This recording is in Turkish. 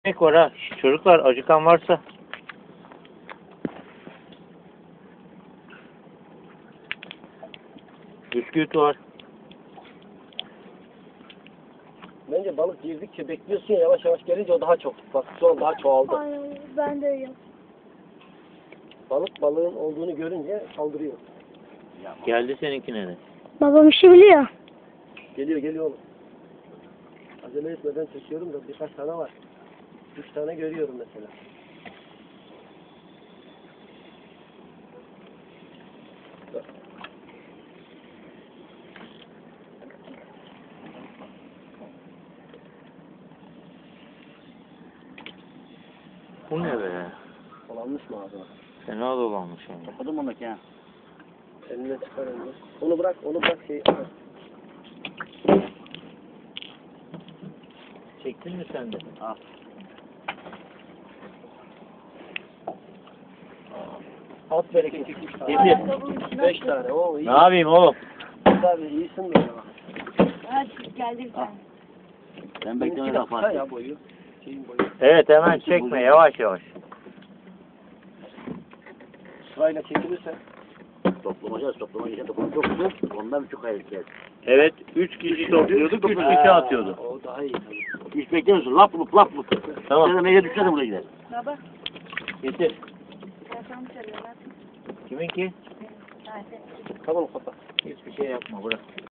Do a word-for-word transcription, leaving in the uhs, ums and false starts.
Ekmek var ha. Şş, çocuklar acıkan varsa. Bisküvit var. Bence balık girdikçe bekliyorsun ya, yavaş yavaş gelince o daha çok. Bak şu an daha çoğaldı. Aynen, ben de öyle. Balık balığın olduğunu görünce saldırıyor. Geldi seninkine de. Babam işi biliyor. Geliyor geliyor oğlum. Acele etmeden çekiyorum da birkaç tane var. Üç tane görüyorum mesela. Bu ne be? Dolanmış mı ağzına? Fena dolanmış yani. Kapadım onu ki ha. Eline çıkar önce. Onu bırak, onu bırak şey. Çektin mi sen de? Al. At bereketi. Demir. Beş tane. Oo iyi. Ne yapayım oğlum? Tabii iyisin böyle bak. Hadi geldi bir tane. Ben Benimki beklemeye de bak kısa Fatih. ya boyu. Şeyin boyu. Evet hemen çekme yavaş yavaş. Sırayla çekilirse. Toplamacağız, toplamacağız. Toplama çok güzel. Ondan çok hayır geldi. Evet üç kişi topluyorduk, üç kişi atıyordu. O daha iyi tabii. Hiç beklemiyorsun. Lap lup lap lup. Tamam. Sen de meyve düşer de buraya gider. Baba, Getir. telefonu çalıyorlar. Kiminki? Hadi. Tamam kapat. Hiçbir şey yapma bırak.